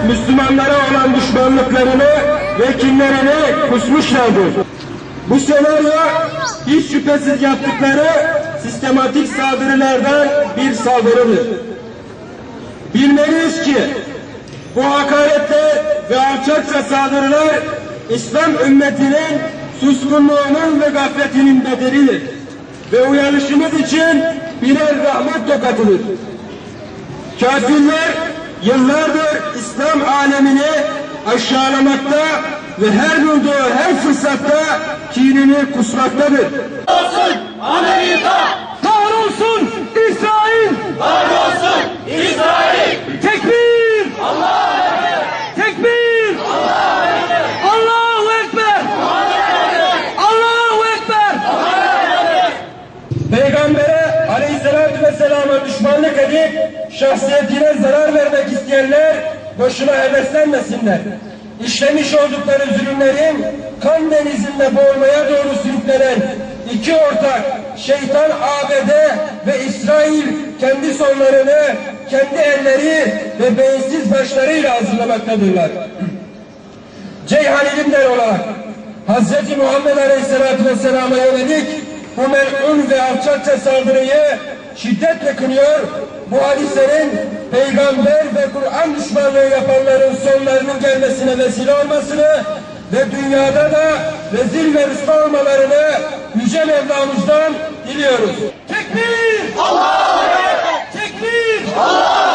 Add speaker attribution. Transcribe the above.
Speaker 1: Müslümanlara olan düşmanlıklarını ve kinlerini kusmuşlardır. Bu senaryo hiç şüphesiz yaptıkları sistematik saldırılardan bir saldırıdır. Bilmeliyiz ki bu hakaretler ve alçakça saldırılar İslam ümmetinin suskunluğunun ve gafletinin bedelidir. Ve uyanışımız için birer rahmet tokatıdır. Kafirler yıllardır İslam alemini aşağılamakta ve her bulduğu her fırsatta kinini kusmaktadır.
Speaker 2: Olsun Amerika!
Speaker 3: Kahrolsun İsrail!
Speaker 2: Kahrolsun İsrail!
Speaker 3: Tekbir!
Speaker 2: Allahu Ekber!
Speaker 3: Tekbir!
Speaker 2: Allahu Ekber!
Speaker 3: Allahu Ekber! Allahu Ekber!
Speaker 1: Peygambere aleyhissalatü vesselama düşmanlık edip şahsiyetine zarar vermek isteyenler boşuna heveslenmesinler. İşlemiş oldukları zulümlerin kan denizinde boğulmaya doğru sürüklenen iki ortak şeytan ABD ve İsrail kendi sonlarını kendi elleri ve beyinsiz başlarıyla hazırlamaktadırlar. Ceyhan ilimler olarak Hz. Muhammed Aleyhisselatü Vesselam'a yönelik bu mel'un ve alçakça saldırıyı şiddetle kınıyor. Bu hadisenin peygamber ve Kur'an düşmanlığı yapanların sonlarının gelmesine vesile olmasını ve dünyada da rezil ve rüsva olmalarını Yüce Mevlamız'dan diliyoruz.
Speaker 3: Tekbir!
Speaker 2: Allahu Ekber!
Speaker 3: Tekbir!
Speaker 2: Allahu